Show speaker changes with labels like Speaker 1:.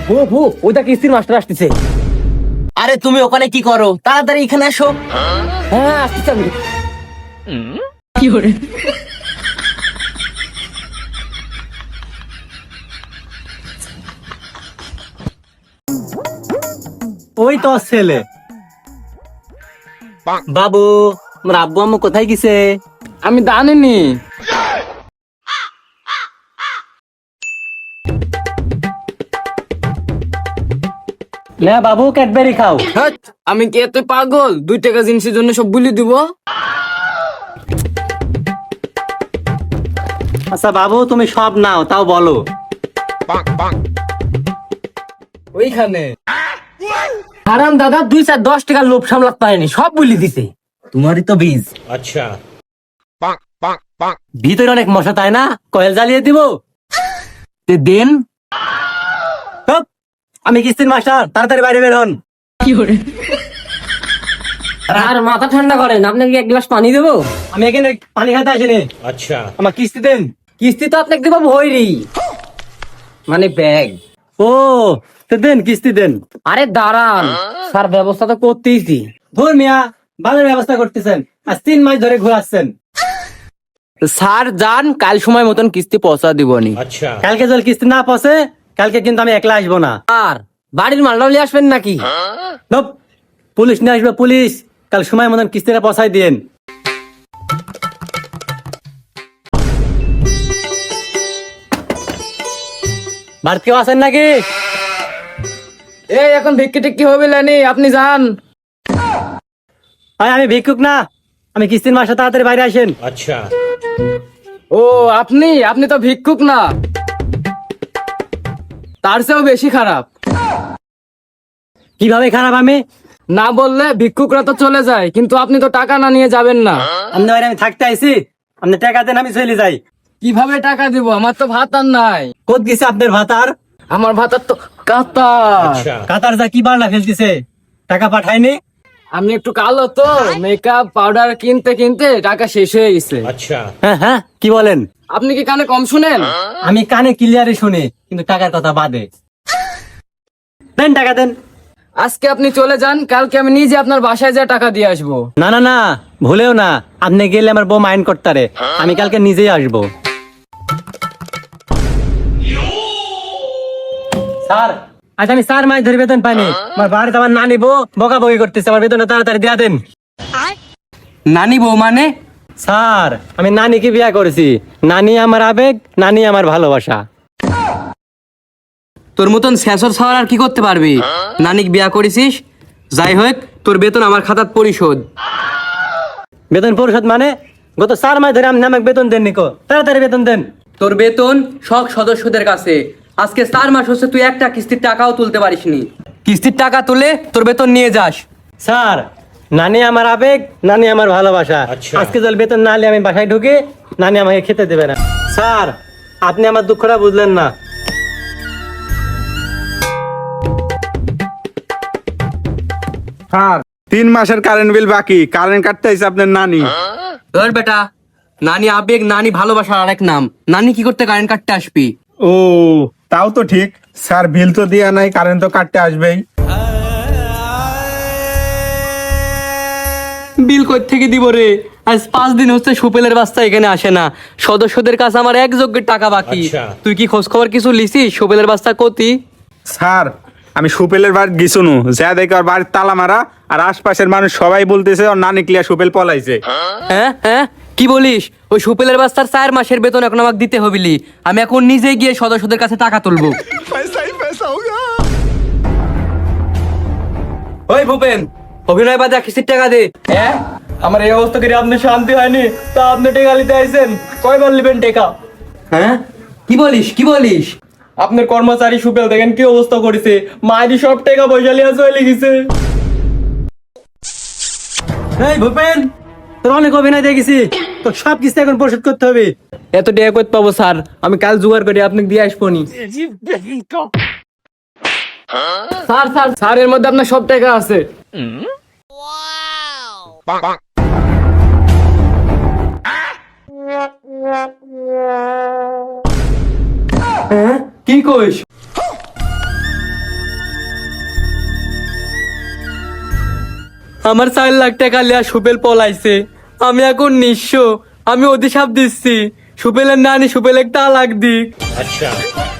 Speaker 1: ভু ওইটা কিস্তির মাস্টার আসতেছে।
Speaker 2: আরে তুমি ওখানে কি করো, তাড়াতাড়ি এখানে আসো।
Speaker 1: হ্যাঁ আসতেছে আমি।
Speaker 3: ওই তো ছেলে। বাবু, আমার আব্বু আম্মু কোথায় গেছে?
Speaker 1: আমি জানিনি।
Speaker 3: না বাবু, ক্যাডবেরি খাও।
Speaker 1: হ্যাঁ, আমি কি এত পাগল 2 টাকা জিনিসের জন্য সব বলি দিব?
Speaker 3: আচ্ছা বাবু, তুমি সব নাও, তাও বলো।
Speaker 1: ওইখানে হারাম দাদা 2-10 টাকার লোভ সামলাতে পারেনি, সব বলি দিছে।
Speaker 2: তোমারই তো বীজ।
Speaker 3: ভিতরে অনেক মশা, তাই না? কয়েল জ্বালিয়ে দিব।
Speaker 1: তে দেন।
Speaker 3: হুপ, আমি কিস্তির মাস্টার, তাড়াতাড়ি বাইরে বের হন।
Speaker 1: আর মাথা ঠান্ডা করেন, আপনাকে এক গ্লাস পানি দেবো?
Speaker 3: আমি এখানে পানি খাতে আসিনি। আচ্ছা, আমার কিস্তি দেন।
Speaker 1: কিস্তি তো আপনাকে দেবো ভৈরি, মানে ব্যাগ।
Speaker 3: ও, তো দেন, কিস্তি দেন।
Speaker 1: আরে দাঁড়ান স্যার, ব্যবস্থা তো করতেইছি।
Speaker 3: ধুর মিয়া, ভালো ব্যবস্থা করতেছেন, আজ 3 মাস ধরে ঘোরাচ্ছেন।
Speaker 1: স্যার যান, কাল সময় মতন কিস্তি পৌঁছা দিবনি।
Speaker 3: কালকে যদি কিস্তি না পৌঁছে, কালকে কিন্তু আমি একলা আসবো না।
Speaker 1: আর বাড়ির মালটাও নিয়ে আসবেন নাকি?
Speaker 3: ধুপ, পুলিশ নিয়ে আসবে, পুলিশ। কাল সময় মতন কিস্তিটা পৌঁছাই দিন। বাড়ি কেউ আছেন নাকি?
Speaker 1: এই এখন ভিক্ষি টিক্কি হবে লেনি, আপনি যান।
Speaker 3: আমি ভিক্ষুক না, আমি কিস্তির মাসে, তাড়াতাড়ি বাইরে আসেন।
Speaker 1: ও আপনি আপনি তো ভিক্ষুক না, তার চেয়েও বেশি খারাপ।
Speaker 3: কিভাবে খারাপ আমি?
Speaker 1: না বললে ভিক্ষুকরা তো চলে যায়, কিন্তু আপনি তো টাকা না নিয়ে যাবেন না।
Speaker 3: আপনার বাড়ি আমি থাকতে আইছি, আপনি টাকা দেন, আমি চলে যাই।
Speaker 1: কিভাবে টাকা দিব? আমার তো ভাত আর নাই।
Speaker 3: কোথ গেছে আপনার ভাতার?
Speaker 1: আমার ভাতার তো কাতা।
Speaker 3: কাতার যা কি বাড়লা ফেলতেছে, টাকা পাঠায়নি?
Speaker 1: আমি একটু কালো তো, মেকআপ পাউডার কিনতে কিনতে টাকা শেষ হয়ে গেছে।
Speaker 3: হ্যাঁ হ্যাঁ, কি বলেন?
Speaker 1: আপনি কি কানে কম শুনেন?
Speaker 3: আমি কানে ক্লিয়ারে শুনি, কিন্তু টাকার কথা বাদে। দেন, টাকা দেন।
Speaker 1: আজকে আপনি চলে যান, কালকে আমি নিজে আপনার বাসায় যা টাকা দিয়ে আসবো।
Speaker 3: না না না, ভুলেও না, আপনি গেলে আমার বউ মাইন্ড করতারে। আমি কালকে নিজেই আসবো। স্যার, আজ আমি 4 মাস ধরে বেতন পাইনি। আমার বাড়িতে আমার নানি বউ বকাবকি করতেছে, আমার বেতনটা তাড়াতাড়ি দিয়া দেন।
Speaker 1: নানি বউ মানে?
Speaker 3: স্যার, আমি নানিকে বিয়া করেছি। নানি আমার আবেগ, নানি আমার ভালোবাসা।
Speaker 2: তোর মতন শেষর ছাড়া আর কি করতে পারবি? নানিক বিয়া করেছিস, যাই হোক তোর বেতন আমার খাতাত পরিশোধ।
Speaker 3: বেতন পরিশোধ মানে? গত 4 মাস ধরে আপনি আমাকে বেতন দেন নিকো, তাড়াতাড়ি বেতন দেন।
Speaker 2: তোর বেতন সব সদস্যদের কাছে। আজকে 4 মাস হচ্ছে তুই একটা কিস্তির টাকাও তুলতে পারিসনি। কিস্তির টাকা তুলে তোর বেতন নিয়ে যাস।
Speaker 3: স্যার, নানি আমার আবেগ, নানি আমার ভালোবাসা। আজকে যদি বেতন না হলে আমি বাসায় ঢুকে, নানি আমাকে খেতে দেবে না। স্যার, আপনি আমার দুঃখটা বুঝলেন না।
Speaker 4: স্যার, 3 মাসের কারেন্ট বিল বাকি, কারেন্ট কাটতে আইছে আপনার নানি।
Speaker 2: ধর বেটা, নানি আবেগ, নানি ভালোবাসার আরেক নাম। নানি কি করতে কারেন্ট কাটতে আসবি?
Speaker 4: ও, তাও তো ঠিক। স্যার, বিল তো দেয়া নাই, কারেন্ট তো কাটতে আসবেই।
Speaker 2: বিল কই থেকে দিব রে? আজ 5 দিন হচ্ছে সুপেলের বাচ্চা এখানে আসে না। সদস্যদের কাছে আমার এক যোগ্যের টাকা বাকি। তুই কি খোঁজ খবর কিছু লিছিস সুপেলের বাচ্চা কতি?
Speaker 4: স্যার, আমি সুপেলের বাড়ি গেছুনু, যা দেখে ওর বাড়ির তালা মারা, আর আশপাশের মানুষ সবাই বলতেছে ওর নানি ক্লিয়ার সুপেল পলাইছে।
Speaker 2: হ্যাঁ হ্যাঁ, কি বলিস? ওই সুপেলের বাচ্চার 4 মাসের বেতন এখন আমাকে দিতে হবিলি। আমি এখন নিজে গিয়ে সদস্যদের কাছে টাকা তুলবো। ওই ভূপেন, অভিনয় বাদে কিস্তির টাকা দে।
Speaker 3: হ্যাঁ, আমার এই অবস্থা করে আপনি শান্তি হয়নি, তা আপনি টেকা নিতে আইছেন। কয়বার নেবেন টেকা?
Speaker 2: হ্যাঁ, কি বলিস কি বলিস?
Speaker 3: আপনার কর্মচারী সুপেল দেখেন কি অবস্থা করেছে, মায়েরই সব টাকা পয়সা লিয়া চলে গেছে। এই ভূপেন, তোর অনেক অভিনয় দেখেছি, তোর সব কিছু এখন পরিশোধ করতে হবে।
Speaker 1: এত টাকা করতে পাবো স্যার? আমি কাল জোগাড় করে আপনাকে দিয়ে আসবো নি। স্যার স্যার স্যার, এর মধ্যে আপনার সব টাকা আছে।
Speaker 3: কি কইস?
Speaker 2: আমার 4 লাখ টাকা লিয়া সুপেল পলাইছে, আমি এখন নিঃস্ব। আমি অভিশাপ দিচ্ছি, সুপেলের নানি সুপেলের তালাক দিক।